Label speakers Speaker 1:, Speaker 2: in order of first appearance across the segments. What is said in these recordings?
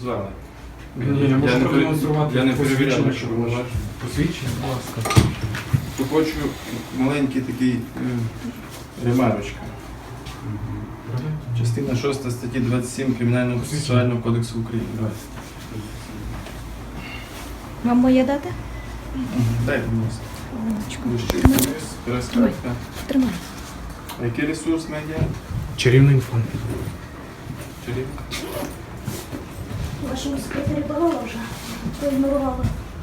Speaker 1: назвали.
Speaker 2: Ні, я можу продемонструвати
Speaker 1: Я не
Speaker 2: посвідчення,
Speaker 1: перевіряв,
Speaker 2: якщо
Speaker 1: що
Speaker 2: ви
Speaker 1: ви
Speaker 2: бачите. Посвідчення, будь ласка.
Speaker 1: То хочу маленький такий ремарочка. Частина 6 статті 27 Кримінального процесуального кодексу України.
Speaker 3: Вам моє дати?
Speaker 1: Дайте, будь ласка.
Speaker 3: Хвилиночку.
Speaker 1: Ближче вниз, перескакка.
Speaker 3: Тримай.
Speaker 1: А який ресурс медіа?
Speaker 2: Чарівний інфо.
Speaker 1: Чарівка.
Speaker 3: Вашому секретарі давала вже. Проігнорувала.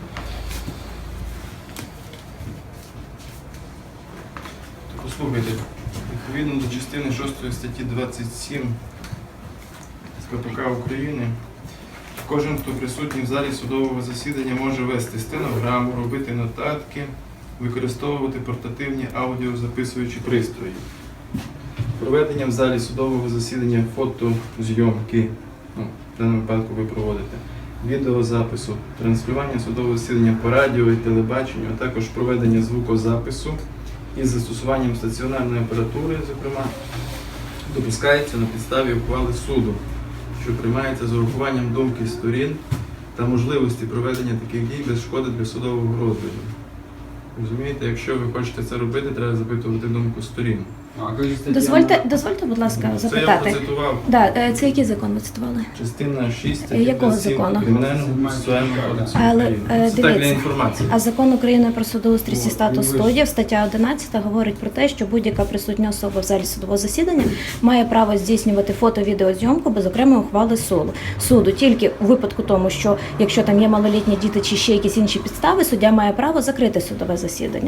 Speaker 1: Послухайте, відповідно до частини 6 статті 27 з КПК України, кожен, хто присутній в залі судового засідання, може вести стенограму, робити нотатки, використовувати портативні аудіозаписуючі пристрої. Проведення в залі судового засідання фотозйомки, в даному випадку ви проводите, відеозапису, транслювання судового засідання по радіо і телебаченню, а також проведення звукозапису із застосуванням стаціонарної апаратури, зокрема, допускається на підставі ухвали суду, що приймається з урахуванням думки сторін та можливості проведення таких дій без шкоди для судового розгляду. Розумієте, якщо ви хочете це робити, треба запитувати думку сторін.
Speaker 3: Дозвольте, будь ласка,
Speaker 1: Це я
Speaker 3: запитати.
Speaker 1: процитував.
Speaker 3: Да, це який закон ви цитували?
Speaker 1: Частина 6 статті
Speaker 3: Якого
Speaker 1: 27
Speaker 3: закону?
Speaker 1: Кримінального процесуального кодексу
Speaker 3: Але,
Speaker 1: України. Це так для
Speaker 3: дивіться,
Speaker 1: інформації.
Speaker 3: А закон України про судоустрій і статус суддів, стаття 11, говорить про те, що будь-яка присутня особа в залі судового засідання має право здійснювати фото-відеозйомку без окремої ухвали суду. Тільки у випадку тому, що якщо там є малолітні діти чи ще якісь інші підстави, суддя має право закрити судове засідання.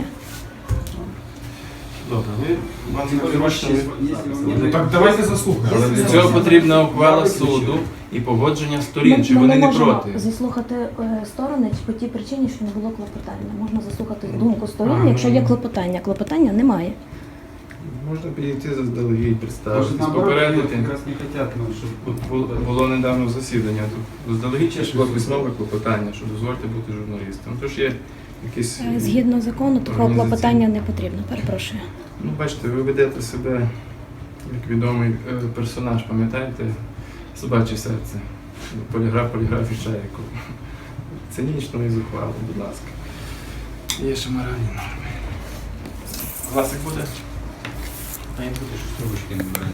Speaker 1: Добре, вам зручно.
Speaker 2: Ну, так давайте заслухаємо.
Speaker 1: Але для цього потрібна ухвала суду і погодження сторін, чи
Speaker 3: Ми
Speaker 1: вони не
Speaker 3: можемо
Speaker 1: проти.
Speaker 3: заслухати сторони по тій причині, що не було клопотання. Можна заслухати думку сторін, якщо є клопотання. Клопотання немає.
Speaker 1: Можна підійти заздалегідь,
Speaker 4: Может,
Speaker 1: представитись,
Speaker 4: наоборот,
Speaker 1: попередити.
Speaker 4: как раз не хотят, ну, чтобы...
Speaker 1: От було недавно засідання, тут заздалегідь було письмове клопотання, що дозвольте бути журналістом. Тож є якісь...
Speaker 3: Згідно закону, такого
Speaker 1: організаційні.
Speaker 3: клопотання не потрібно. Перепрошую.
Speaker 1: Ну, бачите, ви ведете себе як відомий персонаж, пам'ятаєте? Собаче серце. Поліграф і чайку. Цинічно і зухвало, будь ласка. Є ще моральні норми. Класик буде?
Speaker 4: Они будут, что ручки набирать.